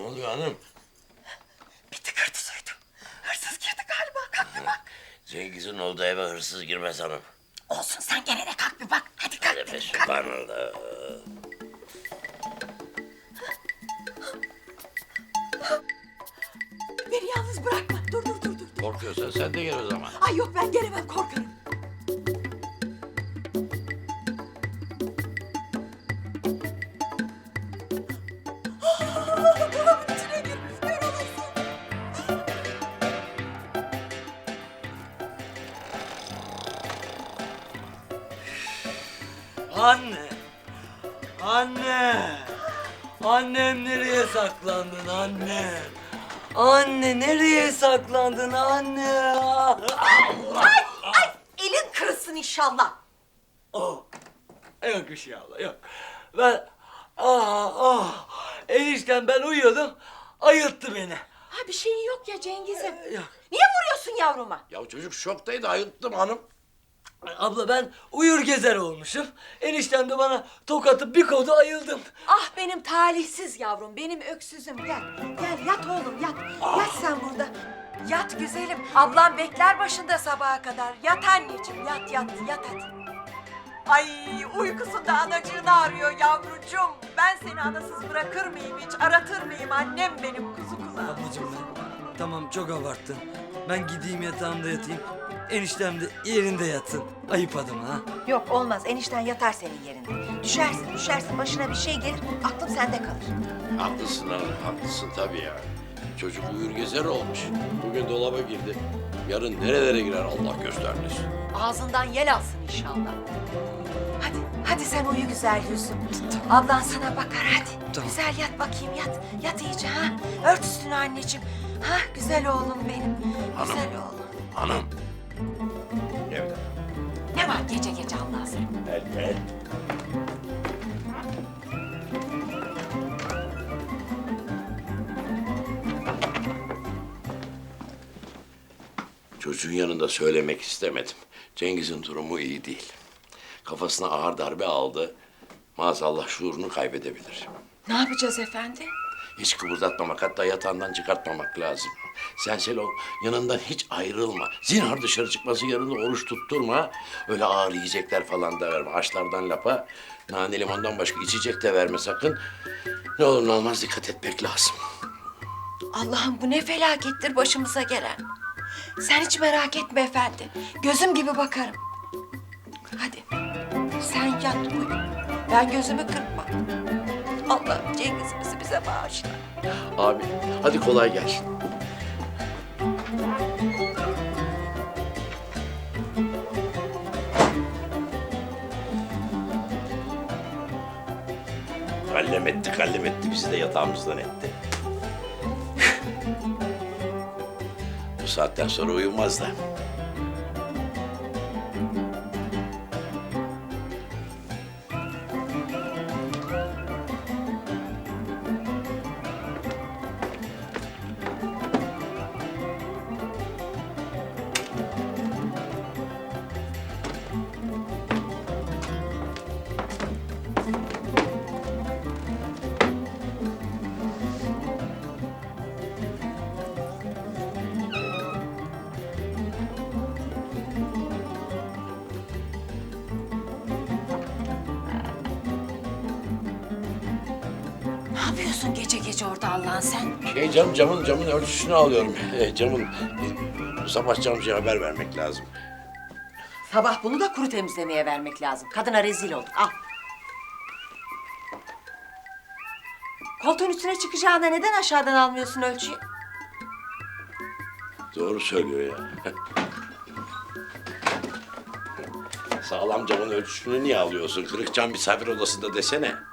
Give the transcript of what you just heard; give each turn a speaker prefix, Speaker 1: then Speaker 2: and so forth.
Speaker 1: oluyor hanım?
Speaker 2: Bir tıkırtı duydum. Hırsız girdi galiba. Kalk bir bak.
Speaker 1: Cengiz'in olduğu eve hırsız girmez hanım.
Speaker 2: Olsun sen gene de kalk bir bak. Hadi kalk
Speaker 1: Hadi be
Speaker 2: dedim, kalk.
Speaker 1: subhanallah.
Speaker 2: Beni yalnız bırakma. Dur.
Speaker 1: Korkuyorsan sen de gel o zaman.
Speaker 2: Ay yok ben gelemem korkarım. Dolabın içine girmiş. Kör olasın.
Speaker 3: Anne! Anne! Annem nereye saklandın anne? Anne nereye saklandın anne?
Speaker 2: Elin kırılsın inşallah.
Speaker 3: Oh. Yok bir şey abla yok. Ben enişten ben uyuyordum. Ayılttı beni.
Speaker 2: Ha bir şeyin yok ya Cengiz'im.
Speaker 3: Yok.
Speaker 2: Niye vuruyorsun yavruma?
Speaker 1: Ya çocuk şoktaydı, ayılttım hanım.
Speaker 3: Abla ben uyur gezer olmuşum. Eniştem de bana tokatıp bir kodu ayıldım.
Speaker 2: Ah benim talihsiz yavrum, benim öksüzüm. Gel yat oğlum yat. Yat sen burada. Yat güzelim. Ablam bekler başında sabaha kadar. Yat anneciğim yat hadi. Ay uykusunda anacığını arıyor yavrucuğum. Ben seni anasız bırakır mıyım hiç? Aratır mıyım annem benim kuzu kulağım.
Speaker 3: Ablacığım tamam çok abarttın. Ben gideyim yatağımda yatayım. Eniştem de yerinde yatsın. Ayıp adım ha.
Speaker 2: Yok olmaz enişten yatar senin yerinde. Düşersin başına bir şey gelir aklım sende kalır.
Speaker 1: Haklısın hanım, haklısın tabii ya. Çocuk uyur gezer olmuş. Bugün dolaba girdi. Yarın nerelere girer Allah göstermesin.
Speaker 2: Ağzından yel alsın inşallah. Hadi sen uyu güzel yüzüm. Ablan sana bakar hadi.
Speaker 3: Tamam.
Speaker 2: Güzel yat bakayım yat. Yat iyice ha. Ört üstünü anneciğim. Ha güzel oğlum benim.
Speaker 1: Hanım.
Speaker 2: Güzel oğlum.
Speaker 1: Hanım. Evde.
Speaker 2: Ne var gece Allah'a sen?
Speaker 1: Gel. Çocuğun yanında söylemek istemedim. Cengiz'in durumu iyi değil. Kafasına ağır darbe aldı. Maazallah şuurunu kaybedebilir.
Speaker 2: Ne yapacağız efendi?
Speaker 1: Hiç kıpırdatmamak, hatta yatağından çıkartmamak lazım. Sen Selo, yanından hiç ayrılma. Zinhar dışarı çıkması yarın oruç tutturma. Öyle ağır yiyecekler falan da verme. Haşlardan lapa, nane limondan başka içecek de verme sakın. Ne olur ne olmaz dikkat etmek lazım.
Speaker 2: Allah'ım bu ne felakettir başımıza gelen. Sen hiç merak etme efendi. Gözüm gibi bakarım. Hadi sen yat uyu. Ben gözümü kırpma. Allah Cengiz'imizi bize bağışla.
Speaker 1: Abi, hadi kolay gelsin. Kallem etti, bizi de yatağımızdan etti. Bu saatten sonra uyumaz da.
Speaker 2: Ne yapıyorsun gece gece orada Allah'ın sen?
Speaker 1: Camın ölçüsünü alıyorum. Bu sabah camcıya haber vermek lazım.
Speaker 2: Sabah bunu da kuru temizlemeye vermek lazım. Kadına rezil olduk. Al. Koltuğun üstüne çıkacağına neden aşağıdan almıyorsun ölçüyü?
Speaker 1: Doğru söylüyor ya. Sağlam camın ölçüsünü niye alıyorsun? Kırık cam misafir odasında desene.